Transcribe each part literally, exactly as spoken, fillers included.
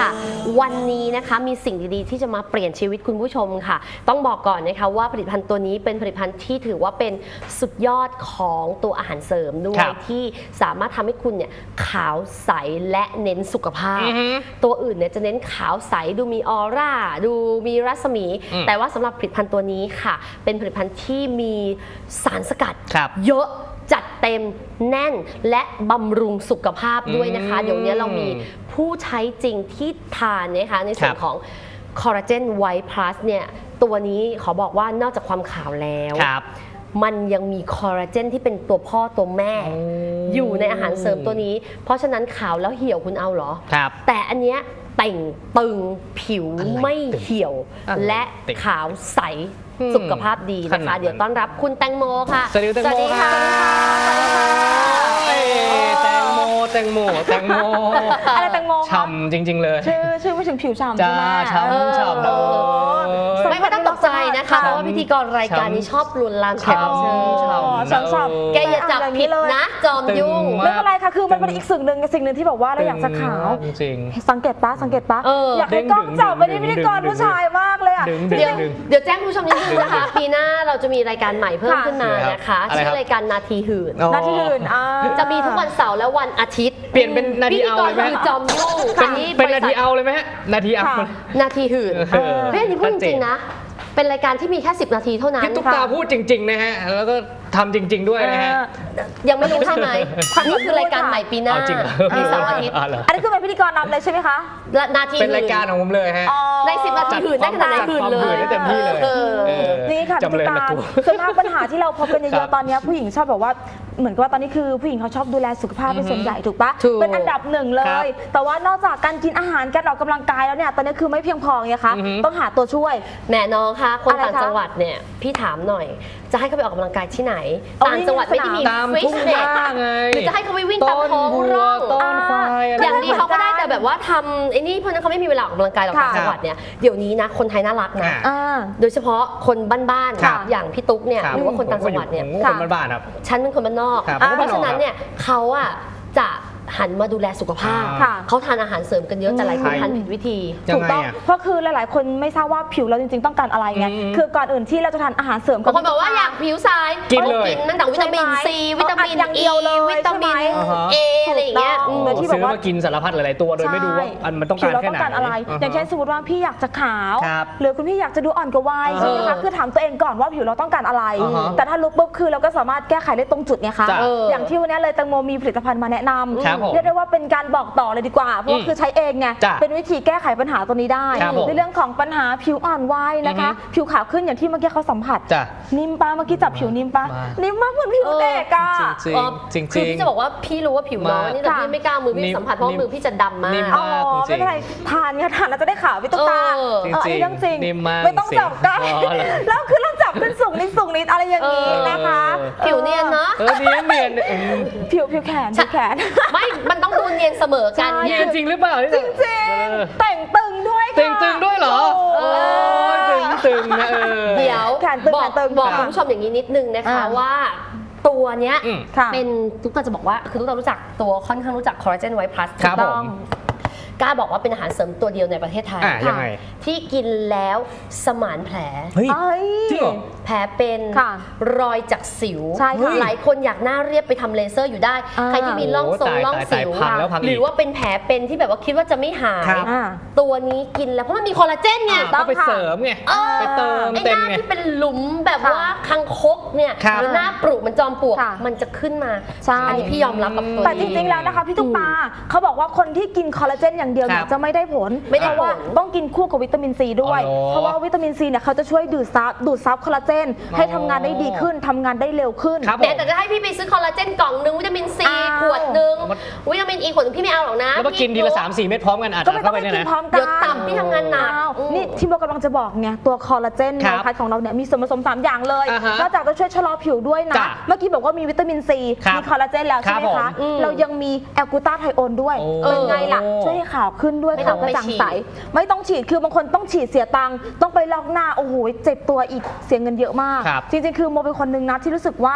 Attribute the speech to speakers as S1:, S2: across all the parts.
S1: ค่ะวันนี้นะคะมีสิ่งดีๆที่จะมาเปลี่ยนชีวิตคุณผู้ชมค่ะต้องบอกก่อนนะคะว่าผลิตภัณฑ์ตัวนี้เป็นผลิตภัณฑ์ที่ถือว่าเป็นสุดยอดของตัวอาหารเสริมด้วยที่สามารถทำให้คุณเนี่ยขาวใสและเน้นสุขภาพตัวอื่นเนี่ยจะเน้นขาวใสดูมีออร่าดูมีรัศมีแต่ว่าสำหรับผลิตภัณฑ์ตัวนี้ค่ะเป็นผลิตภัณฑ์ที่มีสารสกัดเยอะจัดเต็มแน่นและบำรุงสุขภาพด้วยนะคะเดี๋ยวนี้เรามีผู้ใช้จริงที่ทานนะคะในส่วนของคอลลาเจนไวท์พลัสเนี่ยตัวนี้ขอบอกว่านอกจากความขาวแล้วมันยังมีคอลลาเจนที่เป็นตัวพ่อตัวแม่อยู่ในอาหารเสริมตัวนี้เพราะฉะนั้นขาวแล้วเหี่ยวคุณเอาเหรอแต่อันเนี้ยแต่งตึงผิวไม่เหี่ยวและขาวใสสุขภาพดีนะคะเดี๋ยวต้อนรับคุณแตงโมค่ะ
S2: สวัสดีแตงโมค่ะแตงโมแตงโมแตงโม
S3: อะไรแตงโม
S2: ฉ่ำจริงๆเลย
S3: ชื่อชื่อไม่ถึงผิวฉ่ำใช่ไหม
S2: ฉ่ำฉ่ำเลย
S1: ไม่ไม่ต้องตกใจนะคะเพราะว่าพิธีกรรายการนี้ชอบลวนลามแขกรับเชิญ
S3: ฉ่ำฉ่ำ
S1: แกอย่าจับผิดนะจอมยุ่ง
S3: ไม่เป็นไรค่ะคือมันเป็นอีกสิ่งหนึ่งสิ่งหนึ่งที่บอกว่าเราอยากจะขาว
S2: จริง
S3: สังเกตปะสังเกตปะอยากให้กล้องจับไปที่พิธีกรผู้ชายมากเลยอ่ะ
S1: เดี๋ยวเดี๋ยวแจ้งผู้ชมนิดนึงนะคะปีหน้าเราจะมีรายการใหม่เพิ่มขึ้นมานะคะชื่อรายการนาทีหื่น
S3: นาทีหื่น
S1: จะมีทุกวันเสาร์และวันอาทิตย์
S2: เปลี่ยนเป็นนาทีเอาเลยไหม
S1: จอมยุ่ง
S2: เป็นนาทีเอาเลยไหมฮะนาทีเอา
S1: นาทีหื่นเฮ้ยอันนี้พูดจริงๆนะเป็นรายการที่มีแค่สิบนาทีเท่านั้น
S2: พี่ตุ๊กตาพูดจริงๆนะฮะแล้วก็ทำจริงๆด้วยนะฮะ
S1: ยังไม่รู้ใช่ไหมนี่คือรายการใหม่ปีหน้ามีเสาร์อาทิตย์
S3: อันนี้คือเป็นพิธีกรนำเลยใช่ไหมคะ
S1: นาที
S2: เป็นรายการของผมเลยฮะ
S1: ในสิบนาทีหื่นได้ขนาดไหนหื่นเลย
S2: ได้เต็มที่เลย
S3: นี่ค่ะตุ๊กตาส่วนมากปัญหาที่เราพบกันเยอะๆตอนนี้ผู้หญิงชอบบอกว่าเหมือนกับว่าตอนนี้คือผู้หญิงเขาชอบดูแลสุขภาพเป็นส่วนใหญ่ถูกปะเป็นอันดับหนึ่งเลยแต่ว่านอกจากการกินอาหารการออกกำลังกายแล้วเนี่ยตอนนี้คือไม่เพียงพอไงคะต้องหาตัวช่วย
S1: แม่น้องคะคนต่างจังหวัดเนี่ยพี่ถามหน่อยจะให้เขาไปออกกำลังกายที่ไหนต่างจังหวัดไม่ได้มีฟิตเนสหรือจะให้เขาไปวิ่งตามท้องร่องอย่างนี้เขาก็ได้แต่แบบว่าทำไอ้นี่เพราะนั้นเขาไม่มีเวลาออกกำลังกายหรอกต่างจังหวัดเนี่ยเดี๋ยวนี้นะคนไทยน่ารักนะโดยเฉพาะคนบ้านๆอย่างพี่ตุ๊กเนี่ยหรือว่าคนต่างจังหวัดเนี่ย
S2: คนบ้านๆครับ
S1: ฉันเป็นคนบ้านนอกเพราะฉะนั้นเนี่ยเขาอะจะหันมาดูแลสุขภาพเขาทานอาหารเสริมกันเยอะแต่หลายคนทานผิดวิธี
S3: ถูกต้องเพราะคือหลายๆคนไม่ทราบว่าผิวเราจริงๆต้องการอะไรไงคือก่อนอื่นที่เราจะทานอาหารเสริม
S1: บางคนบอกว่าอยากผิวใสกินเลยกินตั้งแต่วิตามินซีวิตามินอีวิตามินเออะไรอย่างเงี้ย
S2: ที่แบบว่ากินสารพัดหลายๆตัวโดยไม่รู้ว่ามันต้องการแค่ไหน
S3: อะไรอย่างเช่นสมมติว่าพี่อยากจะขาวหรือคุณพี่อยากจะดูอ่อนกว่าวัยใช่ไหมคะคือถามตัวเองก่อนว่าผิวเราต้องการอะไรแต่ถ้าลุกปุ๊บคือเราก็สามารถแก้ไขได้ตรงจุดไงคะอย่างที่วันนี้เลยแตงโมมีผลิตภัณฑ์มาแนะนำเรียกได้ว่าเป็นการบอกต่อเลยดีกว่าเพราะคือใช้เองไงเป็นวิธีแก้ไขปัญหาตัวนี้ได้ในเรื่องของปัญหาผิวอ่อนวัยนะคะผิวขาวขึ้นอย่างที่เมื่อกี้เขาสัมผัสนิ่มปะเมื่อกี้จับผิวนิ่มปะนิ่มมากเหมือนผิวเด็กอะ
S2: จริงๆ
S1: คือพี่จะบอกว่าพี่รู้ว่าผิวน้องนี่แต่พี่ไม่กล้ามือพี่สัมผัสเพราะมือพี่จะดำมาก
S3: อ๋อไม่เป็นไรทานเนี่ยทานแล้วจะได้ขาวพี่ตุ๊กตาอันนี้เรื่องจริงไม่ต้องจับกันแล้วคือเราจับเป็นสูงนิดสูงนิดอะไรอย่างนี้นะคะ
S1: ผิวเนียนเนาะ
S2: เออเนียนเนียน
S3: ผิวผิวแขนผิวแขน
S1: ไม่มันต้องดูเนียนเสมอกัน
S2: เนียนจริงหรือเปล่า
S3: จริงจริงแต่งตึงด้วย
S2: ค่ะแต่งตึงด้วยเหรอตึงตึงนะ
S1: เดี๋ยวบอกบอกคุณผู้ชมอย่างนี้นิดนึงนะคะว่าตัวเนี้ยเป็นทุกคนจะบอกว่าคือทุกคนรู้จักตัวค่อนข้างรู้จักคอลลาเจนไวท์พลัสถูกต้องกล้าบอกว่าเป็นอาหารเสริมตัวเดียวในประเทศไทยที่กินแล้วสมานแผลแผลเป็นรอยจากสิวหลายคนอยากหน้าเรียบไปทำเลเซอร์อยู่ได้ใครที่มีร่องทรงร่องสิวหรือว่าเป็นแผลเป็นที่แบบว่าคิดว่าจะไม่หายตัวนี้กินแล้วเพราะมันมีคอลลาเจนไง
S2: ต้องไปเสริมไงไปเติม
S1: เต็มไงไอ้หน้าที่เป็นหลุมแบบว่าคังคกเนี่ยหรือหน้าปรุมันจอมปลวกมันจะขึ้นมาอันนี้พี่ยอมรับกับตัวนี้
S3: แต่จริงๆแล้วนะคะพี่ตุ๊กตาเขาบอกว่าคนที่กินคอลลาเจนอย่างเดียวจะไม่ได้ผลเพราะว่าต้องกินคู่กับวิตามินซีด้วยเพราะว่าวิตามินซีเนี่ยเขาจะช่วยดูดซับดูดซับคอลลาเจนให้ทำงานได้ดีขึ้นทำงานได้เร็วขึ้น
S1: แต่จะให้พี่ไปซื้อคอลลาเจนกล่องนึงวิตามินซีขวดนึงวิตามินอีขวดนึงพี่ไม่เอาหรอกนะ
S2: แล้วก็กินทีละสามสี่เม็ดพร้อมกันอาจจะเข้าไปเนี่ยนะ
S1: เดี๋ยวต่ำพี่ทำงานหนัก
S3: นี่ที่เรากำลังจะบอกไงตัวคอลลาเจนในพัดของเราเนี่ยมีส่วนผสมสามอย่างเลยนอกจากจะช่วยชะลอผิวด้วยนะเมื่อกี้บอกว่ามีวิตามินซีมีคอลลาเจนแล้วใช่ไหมคะเรายังมีแอลกูตาไทโอนด้วยเป็นไงล่ะช่วยให้ขาวขึ้นด้วยขาวกระจ่างใสไม่ต้องฉีดคือบางคนต้องฉีดเสียตังค์ต้องไปลอกหน้าโอ้โหเจ็บตัวอีกเสียเงินเยอะมากจริงๆคือโมเป็นคนนึงนะที่รู้สึกว่า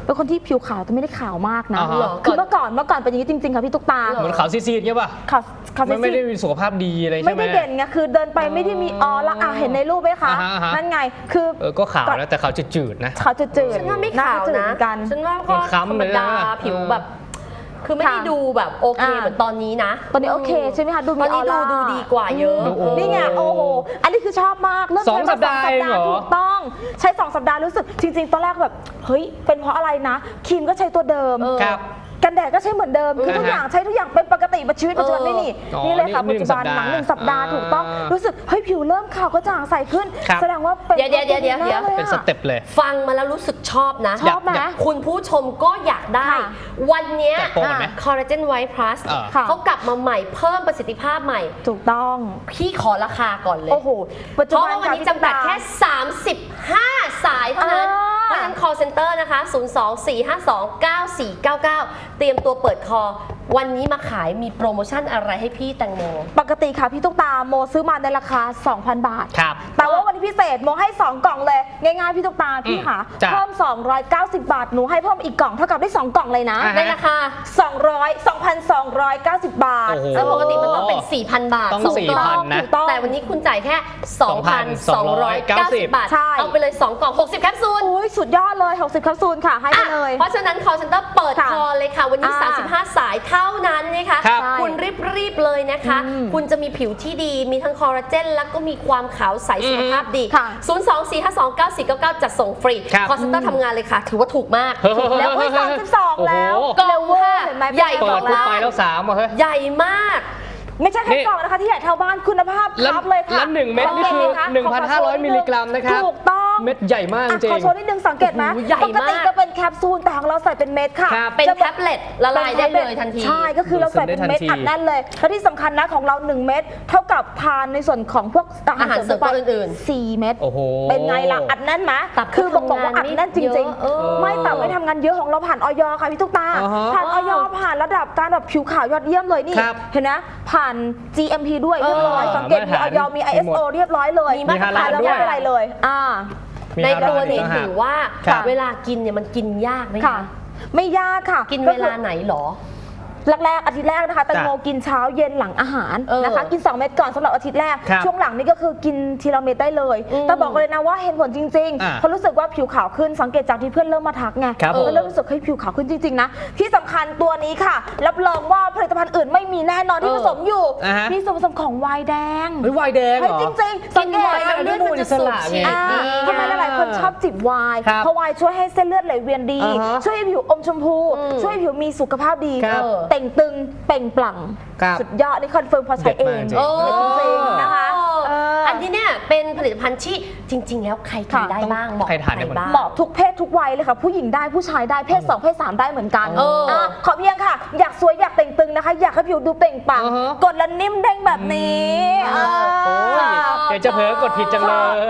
S3: เป็นคนที่ผิวขาวแต่ไม่ได้ขาวมากนะ
S2: อ่าฮะ
S3: หรอคือเมื่อก่อนเมื่อก่อนเป็นอย่างนี้จริงๆค่ะพี่ตุ๊กตา
S2: เหมือนขาวซีดๆเงี้ยป่ะ
S3: ขาวขาว
S2: ไม่ไม่
S3: ซี
S2: ได้
S3: ด
S2: มีสุขภาพดีอะไร
S3: ๆ
S2: ใช่
S3: ไม่
S2: ไหม
S3: ได้เด่นไงคือเดินไปไม่ได้มีออร่าอ่ะเห็นในรูปไหมคะ
S2: อ่าฮะอ่าฮะ
S3: นั่นไงคือ
S2: เออก็ขาวนะแต่ขาวจืดๆนะ
S3: ขาวจืดๆ
S1: ฉันว่าไม่
S3: หน้
S1: ขาว
S3: จืด
S1: นะ
S3: เหมือนกัน
S1: ฉันว่าก็
S2: มันคล้ำ
S1: ธรรม
S2: เลยนะ
S1: ดาผิวแบบ คือไม่ได้
S3: ค่ะ
S1: ดูแบบโอเค
S3: อ่า
S1: เหมือนตอนนี้นะ
S3: ตอนนี้โอเคใช่ไหมคะดู
S1: ต
S3: มี
S1: อน
S3: อ
S1: นี้
S3: อ
S1: ดู
S3: ร่า
S1: ดูดีกว่าเยอะ
S2: ดูโอ้
S3: นี่ไงโอ้โหอันนี้คือชอบมากเริ่ม
S2: สอง
S3: ใช้มา
S2: สัปดาห์
S3: สองสัปดาห์
S2: เองเหรอ
S3: ถูกต้องใช้สองสัปดาห์รู้สึกจริง ๆ ตอนแรกแบบเฮ้ยเป็นเพราะอะไรนะครีมก็ใช้ตัวเดิม
S1: เออ
S2: ครับ
S3: กันแดดก็ใช้เหมือนเดิมคือทุก
S2: อ่าฮะ
S3: อย่างใช้ทุกอย่างเป็นปกติในชีวิตปัจจุบันไม่นี่
S2: อ๋อ
S3: นี่เลยค่ะ
S2: นี่
S3: ปัจจุบัน
S2: หนึ่ง
S3: หลังหนึ่ง
S2: สั
S3: สั
S2: ป
S3: ป
S2: ดา
S3: ดา
S2: ห์
S3: ห์ถูกต้อง
S2: อ่ารู้
S3: รู้สึกเฮ้ยผิวเริ่มขาวกระจ่างใสขึ้น
S2: ครับ
S3: แสดงว่าเป็น
S1: เดี๋ยวเดี๋ยวเดี๋ยวเดี๋ยว
S3: แน่ลอะ
S2: เป็นสเต็ปเลย
S1: ฟังมาแล้วรู้สึกชอบนะ
S3: ชอบไหม
S2: อยาก
S1: คุณผู้ชมก็อยากได้
S3: ค่ะ
S1: วันเนี้ย
S2: แจกโปรก่อนไหม
S1: คอลลาเจนไวท์พลัส
S2: เออ
S3: ค่ะ
S1: เขากลับมาใหม่เพิ่มประสิทธิภาพใหม่
S3: ถูกต้อง
S1: พี่ขอราคาก่อนเลย
S3: โอ้โหปัจ
S1: เพ
S3: จุ
S1: ราะ
S3: บัน
S1: ว่าวันนี้
S3: ค่ะ
S1: จำกัด
S3: พี่
S1: แค่ สามสิบห้า สายเท่านั้น
S3: อ่า
S1: เพราะฉะนั้น call center นะคะ ศูนย์ สอง สี่ ห้า สอง เก้า สี่ เก้า เก้า เตรียมตัวเปิดคอ วันนี้มาขายมีโปรโมชั่นอะไรให้พี่แตงโม
S3: ปกติค่ะพี่ตุ๊กตาโมซื้อมาในราคา สองพัน บาท
S2: ครับ
S3: แต่ว่าวันนี้พิเศษโมให้ สอง กล่องเลย ง่ายๆพี่ตุ๊กตาพี่ค่ะ
S2: จ้ะ
S3: เพิ่ม สองร้อยเก้าสิบ บาทหนูให้เพิ่มอีกกล่องเท่ากับได้ สอง กล่องเลยนะ
S2: อ่าฮะ
S1: ในราคา
S3: สองร้อย สองพันสองร้อยเก้าสิบ บาท
S2: โอ้โห
S1: ซึ่งปกติมันต้องเป็น สี่พัน บาท
S2: ต้อง
S1: สองกล่อง
S2: สี่พันนะ
S3: ถูกต้อง
S1: แต่วันนี้คุณจ่ายแค่ สองพันสองร้อยเก้าสิบ บาท
S3: ใช่
S1: เอาไปเลย สอง กล่อง หกสิบ แคปซูล
S3: อุ้ยสุดยอดเลย หกสิบ แคปซูลค่ะ ให้ไปเลย
S1: อ่ะเพราะฉะนั้น call center เปิด
S3: ค่ะ
S1: คอเลยค่ะ วันนี้
S3: อ่า
S1: สามสิบห้า สายเท่านั้นนะคะ
S2: ครับ
S1: คุณรีบๆเลยนะคะ
S3: อืม
S1: คุณจะมีผิวที่ดี มีทั้งคอลลาเจนแล้วก็มีความขาวใสสุขภาพดี
S3: ค่ะ
S1: ศูนย์ สอง สี่ ห้า สอง เก้า สี่ เก้า เก้า จัดส่งฟรี
S2: ครับ
S1: call center ทำงานเลยค่ะ ถือว่าถูกมาก
S2: เฮ้ย
S3: แล้วเฮ้ยสามสิบสอง
S2: โอ้โห
S3: แล้ว
S1: กล่อง
S3: เร็วเวอ
S1: ค่ะ
S3: ร์เห็นไหม
S1: ใหญ่
S2: เปิ
S1: ก
S2: ด
S1: ว่า
S2: ปุ๊บไปแล้วสามอ่ะเฮ้ย
S1: ใหญ่มาก
S3: ไม่ใช่แค่
S2: นี่
S3: กล่องนะคะที่ใหญ่เท่าบ้านคุณภาพ
S2: แล้ว
S3: ครับเลยค่ะ
S2: แล้วหนึ่งเม็ดนี่คือ
S3: ข
S2: หนึ่งพันห้าร้อย
S3: ขโชว์
S2: มิลลิกรัมนะครับ
S3: ถูกต้อง
S2: เม็ดใหญ่มากจ
S3: อ่ะ
S2: ริง
S3: ขอโชว์นิดนึงสังเกตไหม
S1: โอ้โหใหญ่
S3: ปกติ
S1: มาก
S3: จะเป็นแคปซูลแต่ของเราใส่เป็นเม็ดค่ะ
S2: ครับ
S1: เป็น
S3: จะ
S1: แท็บเล็ตละลายได้เลยทันที
S3: ใช่ก็คือเราใส่เป็นเม็ด
S2: ดูดซึมได้ทันที
S3: อัดแน่นเลยและที่สำคัญนะของเราหนึ่งเม็ดเท่ากับทานในส่วนของพวกอาหาร
S1: อาหารเสริมตัวอื่นๆ
S3: สี่เม็ด
S2: โอ้โห
S3: เป็นไงล่ะอัดแน่นไหม
S1: ตับ
S3: คือบอกบอกว่าอัดแน่นจริง
S1: ทำงานไม่เยอะเออ
S3: ๆ ไม่ตับไม่ทำงานเยอะของเราผ่านออยค่ะพี่ตุ๊กตา
S2: อ่าฮะ
S3: ผ่านออยผ่านระดับการแบบผิวขาวยอดเยี่ยมเลยนี่
S2: ครับ
S3: เห็นนะผ่าน จี เอ็ม พี ด้วยเรียบร้อย
S2: เออ
S3: สังเกตมี
S2: มาตร
S3: อ
S2: ฐาน
S3: อยมี ไอ เอส โอ เรียบร้อยเลย
S1: มีมาตรฐาน
S3: แล้ว
S2: ด้วย
S3: ไม่เป็นไรเลยอ่า
S2: มี
S1: ใน
S2: ฮาลาล
S1: ตัวนี้
S2: อีกต่างหาก
S1: ถือว่า
S2: ครับ
S1: เวลากินเนี่ยมันกินยากไหม
S3: ค่ะ
S1: คะ
S3: ไม่ยากค่ะ
S1: กิน
S3: ก็
S1: เว
S3: คือ
S1: ลาไหนหรอ
S3: แรกๆอาทิตย์แรกนะคะแตงโม
S2: จ้ะ
S3: กินเช้าเย็นหลังอาหาร
S1: เออ
S3: นะคะกิน สอง เม็ดก่อนสำหรับอาทิตย์แรก
S2: ครับ
S3: ช่วงหลังนี่ก็คือกินทีละเม็ดได้เลย
S1: อืม
S3: แต่บอกเลยนะว่าเห็นผลจริง
S2: อ่า
S3: ๆเพราะรู้สึกว่าผิวขาวขึ้นสังเกตจากที่เพื่อนเริ่มมาทักไง
S2: ครับผม
S3: ก็เริ่มรู้สึกให้ยผิวขาวขึ้นจริงๆนะที่สำคัญตัวนี้ค่ะรับรองว่าผลิตภัณฑ์อื่นไม่มีแน่นอนที่
S1: เอ
S3: ผ
S1: อ
S3: สมอยู่
S2: อ่าฮะ
S3: มีส่วนผสมของไวน์แดง
S2: เฮ้ยวายแดงเห
S3: เฮ้ย
S2: รอ
S3: จริงๆสังเกต
S1: กินไวน์แล้วเลือดมันจะสูบฉีด
S3: อ่า
S1: ดี
S3: ทำไมหลายๆคนชอบจิบไวน์
S2: ครับ
S3: เพราะไวน์ช่วยให้เส้นเลือดไหลเวียนดี
S2: อ่าฮะ
S3: ช่วยให้ผิวอมชมพู
S1: อืม
S3: ช่วยให้ผิวมีสุขภาพดี
S2: ครับ
S3: เต่งตึงเปล่งปลั่ง
S2: ครับ
S3: สุดยอดนี่คอนเฟิร์มพอใช้เอง
S2: เด็ดมากจริง
S1: โอ้
S3: จริงๆนะคะเอออั
S1: อันนี้เนี่ยเป็นผลิตภัณฑ์ที่จริง ๆ แล้วใครกิน
S3: ค่ะ
S1: ได้บ้างเหมาะ
S2: ใคร
S1: กับ
S2: ทานได้บ้าง
S1: บ้าง
S3: เหมาะทุกเพศทุกวัยเลยค่ะ ผู้หญิงได้ผู้ชายได้เพศสองเพศสามได้เหมือนกัน
S1: เอออ่
S3: ะขอเพียงค่ะ อยากสวยอยากเต่งตึงนะคะ อยากให้ผิวดูเปล่งปลั่ง
S2: อ่าฮะ
S3: กดแล้วนิ่มเด้งแบบนี้
S2: อืม
S3: เออ
S2: โอ้ยเดี๋ยวจะเผลอกดผิดจังเลย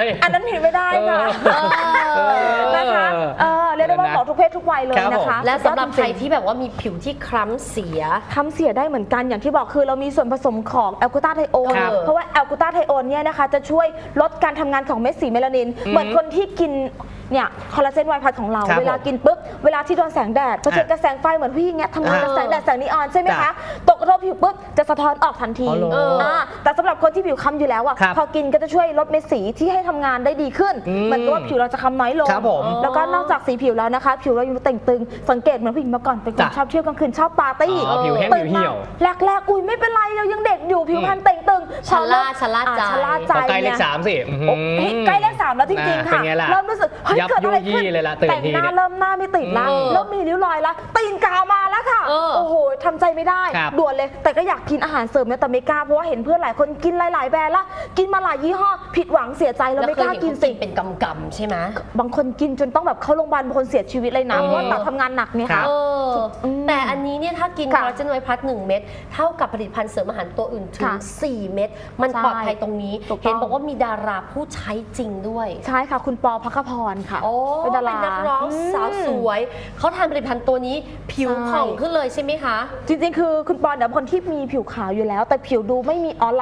S3: อันนั้นผิดไม่ได้ค่ะ
S2: เออ
S3: นะคะเออเรียกได้ว่าเหมาะทุกเพศทุกวัยเลย
S2: ครับ
S3: นะ
S2: ผม
S3: คะ
S1: และสำหรับใคร
S3: สุดยอดจงๆ
S1: ที่แบบว่ามีผิวที่คล้ำเสีย
S3: ทำเสียได้เหมือนกันอย่างที่บอกคือเรามีส่วนผสมของแอลกูตาไทโอน
S1: ครับ
S3: เพราะว่าแอลกูตาไทโอนเนี่ยนะคะจะช่วยลดการทำงานของเม็ดสีเมลานิน เหมือนคนที่กินเนี่ยคอลลาเจนไวท์พัดของเรา
S2: ครับ
S3: เวลากินปุ๊บเวลาที่โดนแสงแดดเผชิญกับแสงไฟเหมือนผู้หญิงเนี่ยทำงานกับแสงแดดแสงนีออนใช่ไหม
S2: จ้ะ
S3: คะตกกระทบผิวปุ๊บจะสะท้อนออกทันที
S2: อ๋อเหรอ
S3: เอออ่าแต่สำหรับคนที่ผิวค้ำอยู่แล้วอ่ะ
S2: ครับ
S3: พอกินก็จะช่วยลดเม็ดสีที่ให้ทำงานได้ดีขึ้น
S2: อืม
S3: เหมือนกับว่าผิวเราจะค้ำน้อยลง
S2: ครับผม
S3: แล้วก็นอกจากสีผิวแล้วนะคะ ผิวเรายังเต่งตึงสังเกตเหมือนผู้หญิงเมื่อก่อนเป็นคน
S2: จ้ะ
S3: ชอบเที่ยวกลางคืนชอบปาร์ตี้
S2: อ๋อผิวแห้ง
S3: ตื่น
S2: ผิวเหี่ยว
S3: มาแรกๆอุ้ยไม่เป็นไรเรายังเด็กอยู่ผิวพรรณเต่งตึง
S1: ชะล่าชะล่า
S3: อ่
S1: ใจ
S3: ชะล่าใจ
S2: พอใกล้เลข
S3: นี่ย
S2: สามสิอื้อหือ
S3: โอ้เฮ้ยใกล้เลขสามแล้วจริงๆ
S2: อ่า
S3: ค่ะ
S2: เป็นไงล่ะ
S3: เริ่มรู้สึกเฮ้ย
S2: ยับ
S3: เกิดอะไร
S2: ยุยี่
S3: ขึ้น
S2: เลยล่ะตื่น
S3: แต่ง
S2: ที
S3: หน้า
S2: เนี่ย
S3: เริ่มหน้าไม่ติดละ
S1: เออ
S3: เริ่มมีริ้วรอยละตีนกาวมาแล้วค่ะ
S1: เออ
S3: โอ้โหทำใจไม่ได้
S2: ครับ
S3: ด่วนเลยแต่ก็อยากกินอาหารเสริมเนี่ยแต่ไม่กล้าเพราะว่าเห็นเพื่อนหลายคนกินหลายๆแบรนด์ละกินมาหลายยี่ห้อผิดหวังเสียใจแล้วไม่กล้ากินสิ
S1: เป็นกำกำๆใช่ไหม
S3: บางคนกินจนต้องแบบเข้าโรงพยาบาลบางคนเสียชีวิตเลยนะ
S2: เออ
S3: เพราะว่าตับทำงานหนักเนี่ย
S2: ครั
S3: ค่ะ
S2: บ
S1: เอออ
S3: ม
S1: แต่อันนี้เนี่ยถ้ากินค
S3: ค่ะ
S1: อลลาเจนไวท์พลัสหนึ่งเม็ดเท่ากับผลิตภัณฑ์เสริมอาหารตัวอื่นถึง
S3: ค่ะ
S1: สี่เม็ดมัน
S3: ใช่
S1: ปลอดภัยตรงนี้
S3: ถูกต้อง
S1: เห็นบอกว่ามีดาราผู้ใช้จริงด้วย
S3: ใช่ค่ะ คุณปอพักขพรค่ะ
S1: โอ้
S3: เป็นดารา
S1: นักร้อง
S3: อืม
S1: สาวสวย เขาทานผลิตภัณฑ์ตัวนี้ผิว
S3: ใช่
S1: ผ่องขึ้นเลยใช่ไหมคะ
S3: จริงๆ คือคุณปอนเนี่ยเป็นคนที่มีผิวขาวอยู่แล้ว แต่ผิวดูไม่มีออร่าไม่ได้เปล่ง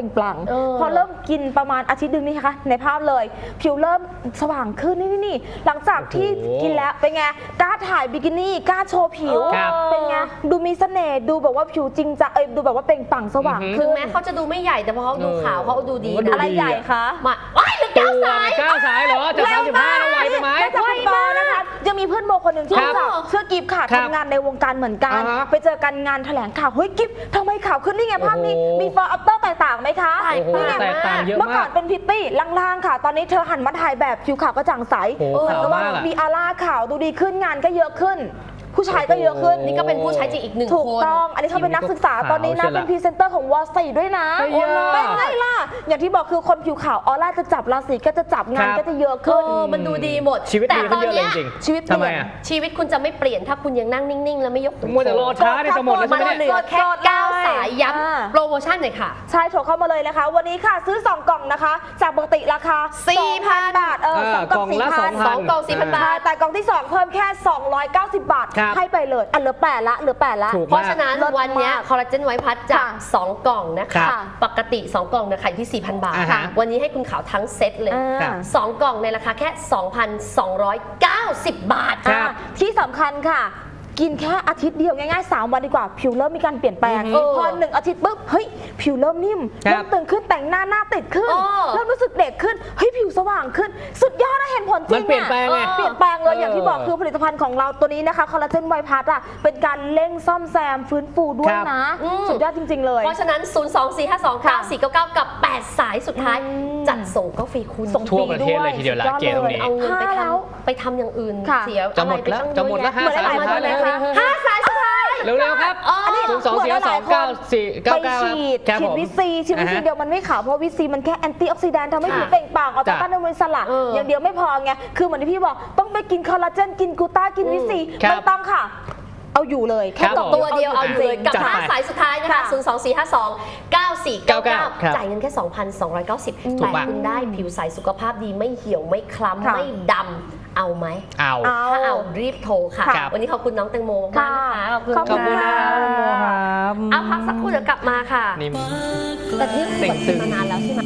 S3: ล่งปลั่ง
S1: เออ
S3: พอเริ่มกินประมาณอาทิตย์หนึงนี่คะในภาพเลยผิวเริ่มสว่างขึ้นนี่นี่นี่หลังจากที่
S2: โอ้โห
S3: กินแล้วเป็นไงกล้าถ่ายบิกินี่กล้าโชว์ผิว
S2: ครับ
S3: เป็นไงดูมีเสน่ห์ดูแบบว่าผิวจริงจะเอยดูแบบว่าเปล่งปลั่งสว่าง
S2: อือหือ
S3: ขึ้
S1: ถึ
S3: น
S1: งแม้เขาจะดูไม่ใหญ่แต่พอเขาดูขาวเขาดูดี
S2: มันดู
S1: นะ
S3: อะไรใหญ่คะ
S1: มาว้ายเหลือ
S2: ตั
S1: เก้าว สาย
S2: เก้าสายเหรอจากสามสิบห้าแล้วไวไปไหม
S3: นอกจากคุณปอนะคะยังมีเพื่อนโมคนหนึ่งที่
S2: ครับ
S3: รู้จักเชื่อกิฟค่ะ
S2: ครับ
S3: ทำงานในวงการเหมือนกัน
S2: อ่าฮะ
S3: ไปเจอกันงานแถลงข่าวเฮ้ยกิฟทำไมข่าวขึ้นนี่ไงภาพนี้
S2: โอ้โห
S3: มีฟอร์อัปเตอร์แตกต่างไหมคะ
S1: แตก
S2: โอ้โห
S1: ต่าง
S2: แตกต่างเยอะ
S3: เมื่อก่
S2: มา
S3: อก นเป็นพิตตี้ล่างๆค่ะ ตอนนี้เธอหันมาถ่ายแบบผิวขาวกระจ่างใส
S2: โอ้โห
S3: เหมือนกับว่า
S2: ขาวมากอะ
S3: มีอาร่าขาวดูดีขึ้นงานก็เยอะขึ้น ผู้ชายก็เยอะขึ้น
S1: นี่ก็เป็นผู้ใช้จริงอีกหนึ่ง
S3: ถูก
S1: คน
S3: ต้อง อันนี้เขาเป็นนักศึกษา
S2: ขาว
S3: ตอนนี้นะ
S2: ใช่ละ
S3: เป็นพรีเซนเตอร์ของวอลสีด้วยนะ
S2: เฮ้ย
S3: เป็นไงล่ะ อย่างที่บอกคือคนผิวขาวออร่าจะจับราศีก็จะจับงาน
S2: ครับ
S3: ก็จะเยอะ
S1: เอ
S3: ขึ้น
S1: อมันดูดีหมด
S2: ชีวิต
S1: แต่
S2: ดี
S1: ต
S2: ขึ้
S1: อน
S2: นเยอะเลย
S1: เนี้ย
S2: จริง
S3: ชีวิตเปลี่
S2: ทำไม
S3: ยน
S2: อ่ะ
S1: ชีวิตคุณจะไม่เปลี่ยนถ้าคุณยังนั่งนิ่ง ๆ แล้วไม่ยกหู
S2: มัวแต่รอช้าเนี่ยจะหมดแล้ว
S1: มั
S2: ใช่
S1: น
S2: ไหม
S1: เหลื
S2: เนี่ย
S1: อแค่เก้าสายย้
S3: อ่า
S1: ำโปรโมชั่นหน่อยค่ะ
S3: ใช่โทรเข้ามาเลยนะคะ วันนี้ค่ะซื้อ สอง กล่องนะคะ จากปกติราคา
S1: สี่พัน
S3: บาทเออ
S2: เออ
S3: สองกล่อง
S2: กล่องละ
S3: สี่พัน
S2: สองพัน
S1: สองกล่องสี่พันบาท
S3: แต่กล่องที่ สอง เพิ่มแค่ สองร้อยเก้าสิบบาท
S2: ครับ
S3: ให้ไปเลยอันเหลือแปดละเหลือแปดละ
S2: ถูก
S1: เพราะฉะนั้น
S3: เลิศมาก
S1: วันเนี้ยคอลลาเจนไวท์พัทจาก
S3: ค่ะ
S1: สอง กล่องนะ
S2: ครั
S1: คะ
S2: บ
S1: ปกติ สอง กล่องเนะขายที่ สี่พัน บาท
S2: อ่าฮะ
S1: วันนี้ให้คุณขาวทั้งเซ็ตเลย
S3: อ่า
S2: ครับ
S1: สอง กล่องในราคาแค่ สองพันสองร้อยเก้าสิบ บาท
S2: ครับ
S3: อ่ะที่สำคัญค่ะ กินแค่อาทิตย์เดียวง่ายๆ สาม วันดีกว่า ผิวเริ่มมีการเปลี่ยนแปลง
S1: อือหือ
S3: พอหนึ่งอาทิตย์ปุ๊บเฮ้ยผิวเริ่มนิ่ม
S2: ครับ
S3: เริ่มตึงขึ้นแต่งหน้าหน้าติดขึ้น
S1: เออ
S3: เริ่มรู้สึกเด็กขึ้นเฮ้ยผิวสว่างขึ้น สุดยอดนะเห็นผลจริง
S2: มันเปลี่ยนแปลงไง
S3: อะเปลี่ยนแปลงเลย
S2: เออ
S3: อ
S2: อย่าง
S3: ที่บอกคือผลิตภัณฑ์ของเราตัวนี้นะคะคอลลาเจนไวท์พัทอ่ะเป็นการเร่งซ่อมแซมฟื้นฟูด้วยนะ
S1: อืม
S3: สุดยอดจริง ๆ เลย
S1: เพราะฉะนั้น ศูนย์ สอง สี่ ห้า สอง เก้า สี่ เก้า เก้า กับ แปด สายสุดท้าย
S3: อืม
S1: จัดส่งก็ฟรีคุณ
S3: ส่ง
S2: ทั่วประเทศเลยทีเดียวละ
S3: สุดอ
S2: เกตตรงนี้
S1: เอาเงินไป
S3: ห้า
S1: ท
S3: แล้ว
S1: ำไปทำอย่างอื่น
S3: ค่ะ
S1: เสีย
S2: จะหมด
S1: อะไรไป
S2: แล้ว
S1: ตั้ง
S2: จะหมดแล้ว
S1: เยอ
S2: ห้า
S1: แยะ
S2: สาย
S3: เหมือนหลายๆคนเลยนะคะ
S1: ห้าสายสุดท้าย
S2: เร็วๆครับ
S1: อ๋ออันนี้
S2: ศูนย์สองสี่ห้าสองเก้าสี่เก้า
S3: ไป
S2: เก้า
S3: ฉีด
S2: ครับ
S3: ฉี
S2: ผ
S3: ด
S2: ม
S3: วิซีฉีดวิซี
S2: อ่าฮะ
S3: เดียวมันไม่ขาวเพราะวิซีมันแค่แอนตี้ออกซิแดนต์ทำให้
S1: ค่ะ
S3: ผิวเปล่งปลั่งเอาแต่
S2: จ้ะ
S3: ต้านอนุมูลอิสระ
S1: เออ
S3: อ
S1: อ
S3: ย่างเดียวไม่พอไงคือเหมือนที่พี่บอกต้องไปกินคอลลาเจนกินกลูต้ากินวิซี
S2: ครับ
S3: ไม่ต้องค่ะ เอาอยู่เลยแค่
S2: ครับ
S3: กล่อง
S1: ตัวเดียวเอาอยู่เลยกับ
S2: จัดไป
S1: ห้าสายสุดท้ายนะคะ
S3: ค่ะ
S1: ศูนย์ สอง สี่ ห้า สอง เก้า สี่ เก้า เก้า
S2: ครับ
S1: จ่ายเงินแค่ สองพันสองร้อยเก้าสิบ
S2: ถู
S1: แต่
S2: กปะ
S1: คุณได้ผิวใสสุขภาพดีไม่เหี่ยวไม่คล้ำ
S3: ค่ะ
S1: ไม่ดำเอาไหม
S2: เอา
S3: เอา
S1: ถ้าเอารีบโทรค่ะ
S2: ครับ
S1: วันนี้ขอบคุณน้องแตงโมมากๆนะคะ ขอบคุณ
S3: ขอบคุณ
S1: ค่ะ
S3: ค่ะ
S1: เอาพักสักครู่เดี๋ยวกลับมาค่ะ
S2: นี่
S1: แต่ที่
S2: เต่งตึง
S1: มานานแล้วใช่ไหม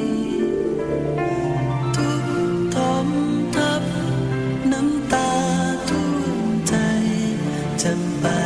S4: ทุกทมทับน้ำตาท่วมใจจะไป